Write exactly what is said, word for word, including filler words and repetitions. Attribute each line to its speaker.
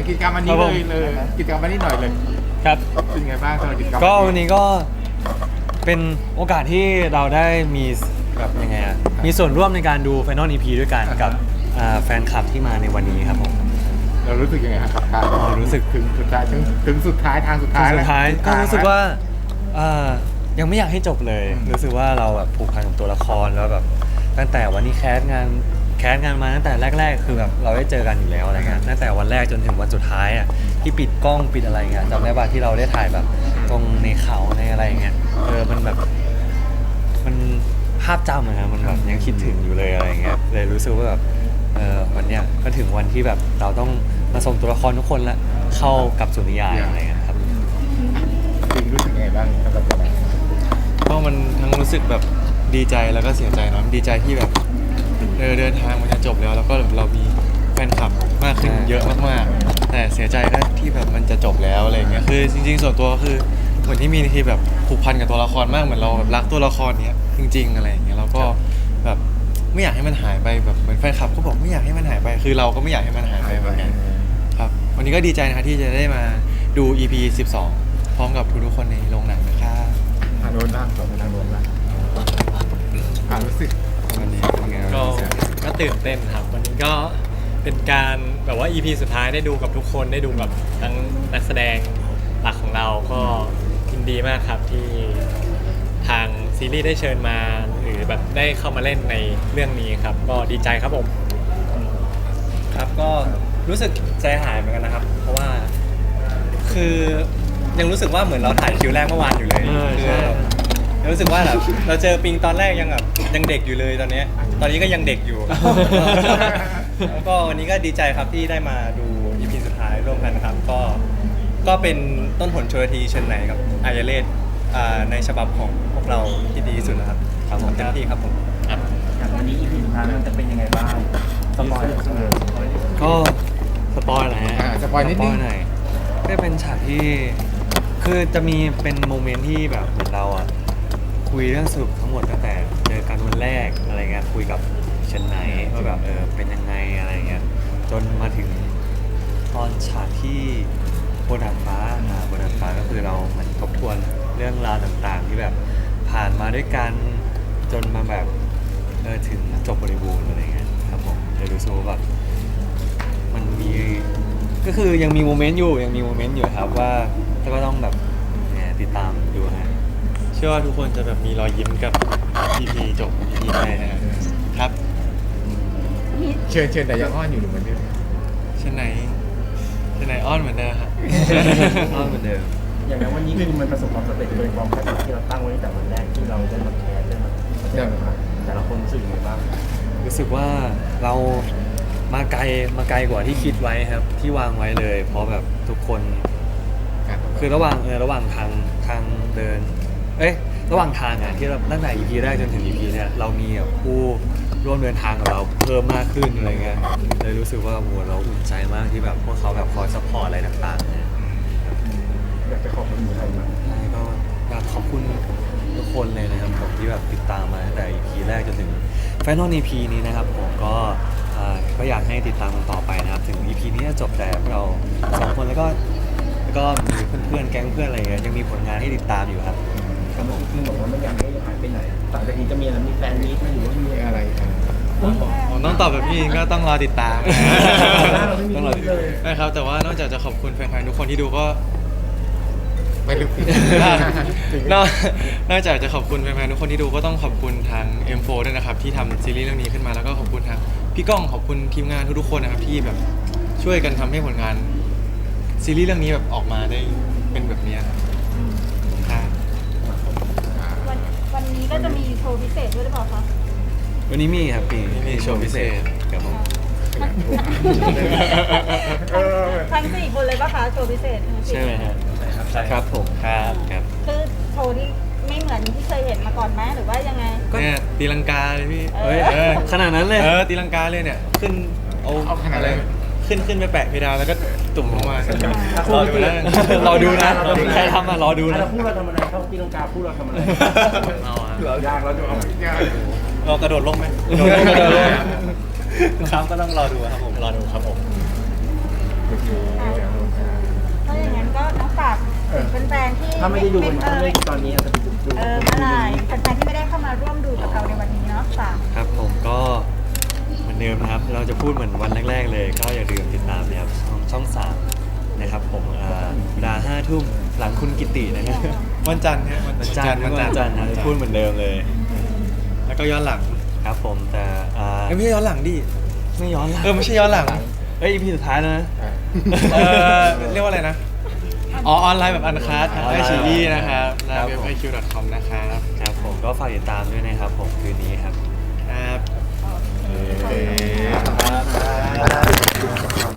Speaker 1: กิจกรรมวันนี้เลยเลยกิจกรรมวันนี้หน่อยเลย
Speaker 2: ครับ
Speaker 1: เป็นไงบ้างสำหรับกิจกรรม
Speaker 2: ก็วันนี้ก็เป็นโอกาสที่เราได้มีแบบยังไงอะมีส่วนร่วมในการดู Final อี พี ด้วยกันกับอ่าแฟนคลับที่มาในวันนี้ครับผม
Speaker 1: เรารู้สึกยังไงครับการ
Speaker 2: อ๋อรู้สึก
Speaker 1: ถึงสุดท้ายถึงถึงสุดท้ายทางสุดท้าย
Speaker 2: สุดท้าย
Speaker 1: แล้ว
Speaker 2: ก็รู้สึกว่าอ่ายังไม่อยากให้จบเลย รู้สึกว่าเราแบบผูกพันกับตัวละครแล้วแบบตั้งแต่วันนี้แคสงานแคสงานมาตั้งแต่แรกๆ คือแบบเราได้เจอกันอยู่แล้วอะไรเงี้ยตั้งแต่วันแรกจนถึงวันสุดท้ายอ่ะที่ปิดกล้องปิดอะไรเงี้ยจำได้ป่ะที่เราได้ถ่ายแบบตรงในเขาในอะไรเงี้ยเออมันแบบมันภาพจำอะนะมันแบบยังคิดถึงอยู่เลยอะไรเงี้ยเลยรู้สึกว่าแบบเออวันเนี้ยก็ถึงวันที่แบบเราต้องมาส่งตัวละครทุกคนละเข้ากับสุนิยายอะไรเงี้ยครับ
Speaker 1: จริงรู้สึกยังไงบ้างสำหรับเรา
Speaker 3: ก็มันทั้งรู้สึกแบบดีใจแล้วก็เสียใจเนาะดีใจที่แบบเออเดินทางมันจะจบแล้วแล้วก็เรามีแฟนคลับมากขึ้น
Speaker 2: ใช่
Speaker 3: เยอะมากๆแต่เสียใจก็ที่แบบมันจะจบแล้วอะไรเงี้ยคือจริงๆส่วนตัวก็คือเหมือนที่มีที่แบบผูกพันกับตัวละครมากเหมือนเราแบบรักตัวละครเนี้ยจริงๆอะไรอย่างเงี้ยเราก็แบบไม่อยากให้มันหายไปแบบเหมือนแฟนคลับก็บอกไม่อยากให้มันหายไป คือเราก็ไม่อยากให้มันหายไปเหมือนกันครับวันนี้ก็ดีใจนะคะที่จะได้มาดู อี พี สิบสอง พร้อมกับทุกๆคนในโรงหนังนะครับ
Speaker 1: ทางโน้นบ้างสองทางโน้นบ้างอ่ารู้สึก
Speaker 2: วันนี้เป็นไง
Speaker 4: ก็
Speaker 2: บ้าง
Speaker 4: ก็ตื่นเต้นครับวันนี้ก็เป็นการแบบว่า อี พี สุดท้ายได้ดูกับทุกคนได้ดูกับทั้งนักแสดงหลักของเราก็ยินดีมากครับที่ทางซีรีส์ได้เชิญมาหรือแบบได้เข้ามาเล่นในเรื่องนี้ครับก็ดีใจครับผม
Speaker 5: ครับก็รู้สึกใจหายเหมือนกันนะครับ เพราะว่าคือยังรู้สึกว่าเหมือนเราถ่ายคิวแรกเมื่อวานอยู่เลย
Speaker 2: เออ
Speaker 5: คื
Speaker 2: ใช่
Speaker 5: แบบรู้สึกว่าแบบเราเจอปิงตอนแรกยังแบบยังเด็กอยู่เลยตอนเนี้ยตอนนี้ก็ยังเด็กอยู่ แล้วก็วันนี้ก็ดีใจครับที่ได้มาดู อี พี สุดท้ายร่วมกันนะครับ ก็ก็เป็นต้นหนชลทีเชิญไหนกับอายเลศอ่าในฉบับของพวกเราที่ดีที่สุดนะครับครับผมเต็มที่ครับผม
Speaker 6: อย่างวันนี้ อี พี สุดท้ายมันจะเป็นยังไงบ้างสปอยล์เออ
Speaker 2: ก็สปอยล์หน่อยฮะ
Speaker 1: อ่าสปอยนิดนึง
Speaker 2: หน่อยก็เป็นฉากที่คือจะมีเป็นโมเมนต์ที่แบบเหมือนเราอ่ะคุยเรื่องสรุปทั้งหมดตั้งแต่เจอกันวันแรกอะไรเงี้ยคุยกับเชนไนว่าแบบเออเป็นยังไงอะไรเงี้ยจนมาถึงตอนฉากที่บนดาดฟ้าอ่าบนดาดฟ้าก็คือเราเหมือนทบทวนเรื่องราวต่างๆ ที่แบบผ่านมาด้วยกันจนมาแบบเออถึงจบบริบูรณ์อะไรเงี้ยครับผมเลยรู้สึกว่าแบบ มันมีก็คือยังมีโมเมนต์อยู่ยังมีโมเมนต์อยู่ครับว่าแต่ก็ต้องแบบเนี่ยติดตามดูฮะ
Speaker 3: เชื่อว่าทุกคนจะแบบมีรอยยิ้มกับ อี พี จบ อี พี แรกนะครับ
Speaker 1: เชิญเชิญแต่ยังอ้อนอยู่หรือเหมือนเดิม
Speaker 3: เช่นไหนเช่นไหนอ้อนเหมือนเดิมครับ
Speaker 2: อ้อนเหมือนเดิม
Speaker 6: อย่างนั้นวันนี้คือมันประสบความสำเร็จโดยความคาดหวังที่เราตั้งไว้ตั้งแต่วันแรกที่เราได้มาแคสได้มาได้มาแต่ละคนรู้สึกยังไงบ้าง
Speaker 2: รู้สึกว่าเรามาไกลมาไกลกว่าที่คิดไว้ครับ ที่วางไว้เลย เพราะแบบทุกคนคือระหว่างเออระหว่างทางทางเดิน เอ้ยระหว่างทางอ่ะที่เราตั้งแต่ อี พี แรกจนถึง อี พี เนี่ยเรามีแบบผู้ร่วมเดินทางกับเราเพิ่มมากขึ้นอะไรเงี้ยเลยรู้สึกว่าโหเราอุ่นใจมากที่แบบพวกเขาแบบคอยซัพพอร์ตอะไรต่างๆเนี่ย
Speaker 6: อยากจะขอบคุณใครบ้าง
Speaker 2: ใช่ก็อยากขอบคุณทุกคนเลยนะครับผมที่แบบติดตามมาตั้งแต่ อี พี แรกจนถึง Final อี พี นี้นะครับผมก็อ่าก็อยากให้ติดตามกันต่อไปนะครับถึง อี พี นี้จะจบแต่พวกเราสองคนแล้วก็แล้วก็มีเพื่อนๆแก๊งเพื่อนอะไรเงี้ยยังมีผลงานให้ติดตามอยู่ครับ
Speaker 6: ครับผมคือบอกว่าไม่อยากให้หายไปไหนต่างจากนี้จะมีอะไรมีแฟนมีตไหมหรือว่ามี
Speaker 1: มี
Speaker 6: อะไร
Speaker 1: อะไรอ่ะ
Speaker 3: ผมต้องตอบแบบพี่อินก็ต้องรอติดตาม
Speaker 6: เราไม่มี
Speaker 2: ต้องรอติดตาม
Speaker 6: เลย
Speaker 3: นะครับแต่ว่านอกจากจะขอบคุณแฟนๆทุกคนที่ดูก็
Speaker 1: ไม่ลึก
Speaker 3: นอกนอกจากจะขอบคุณแฟนๆทุกคนที่ดูก็ต้องขอบคุณทาง เอ็ม โฟร์ ด้วยนะครับที่ทำซีรีส์เรื่องนี้ขึ้นมาแล้วก็ขอบคุณทางพี่ก้องขอบคุณทีมงานทุกๆคนนะครับที่แบบช่วยกันทำให้ผลงานซีรีส์เรื่องนี้แบบออกมาได้เป็นแบบนี้ครับครับ
Speaker 7: วันวันนี้ก็จะมีโชว์พิเศษด้วยหรือเปล่าคะ
Speaker 2: วันนี้มีครับปีมีโชว์พิเศษครับผม
Speaker 1: เออ
Speaker 7: ทั้งสี่คนเลยปะคะโชว์พิเศษทั้งสี่
Speaker 2: ใช่ไหมฮะ
Speaker 5: ใช่ครับ
Speaker 2: ครับผมครับครับ
Speaker 7: คือโชว์ที่ไม่เหมือนที่เคยเห็นมาก่อนไหมหรือว่ายังไง
Speaker 3: เนี่ยตีลังกาเลยพี่
Speaker 7: เฮ้ย
Speaker 3: เออ
Speaker 2: ขนาดนั้นเลย
Speaker 3: เออตีลังกาเลยเนี่ยขึ้นเอา
Speaker 1: เอาขนาด
Speaker 3: อะไร
Speaker 1: นั้น
Speaker 3: ขึ้นขึ้นไปแปะเพดานแล้วก็ตุ่มลงมา
Speaker 6: รอดูนะ
Speaker 2: รอดูนะใครทำอ่ะรอดูนะ
Speaker 6: เราพูดเราทำอะไรเขาตีลังกาพูดเราทำอะไร
Speaker 3: เอาอะ
Speaker 6: เรายากเราจะเอา
Speaker 1: ยาก
Speaker 3: เรากระโดดลงไหม
Speaker 2: กระโดดลงกระโดดลง
Speaker 5: ครับก็ต้องรอดูครับผม
Speaker 4: รอดูครับผม
Speaker 1: โอเค
Speaker 7: แฟนๆที่
Speaker 6: ถ้าไม่ได้ดูวัน
Speaker 7: เอ
Speaker 6: ถ้า
Speaker 7: อ
Speaker 6: ไม่ได้ดูตอนนี้อาจจะไปดูดู
Speaker 7: เออเมื่อไหร่แฟนๆที่ไม่ได้เข้ามาร่วมดูกับเราในวันนี้เนาะฝาก
Speaker 2: ครับผมก็เหมือนเดิมนะครับ เราจะพูดเหมือนวันแรก ๆ เลย ก็อย่าลืมติดตามนะครับช่องช่องสามนะครับผมอ่าเวลาห้าทุ่มหลังคุณกิตินะครับ
Speaker 3: วันจันทร์ฮะ
Speaker 2: วันจันทร์วันจันทร์นะพูดเหมือนเดิมเลย
Speaker 3: แล้วก็ย้อนหลัง
Speaker 2: ครับผมแต่อ่า
Speaker 3: เอ้ยไม่ใช่ย้อนหลังดิ
Speaker 2: ไม่ย้อนหลัง
Speaker 3: เออไม่ใช่ย้อนหลัง
Speaker 2: เอ้ยอีพีสุดท้ายแล้วนะ
Speaker 3: เออเรียกว่าอะไรนะ อ๋อออนไลน์แบบอันคัสทางไอชีอีนะครับหน้า
Speaker 2: ครับ
Speaker 3: เว็บ
Speaker 2: ผม
Speaker 3: ไอคิวดอทคอมนะครับ
Speaker 2: ครับผมก็ฝากติดตามด้วยนะครับผมคืนนี้ครับ
Speaker 3: ครับ
Speaker 7: โอเค
Speaker 3: ครับ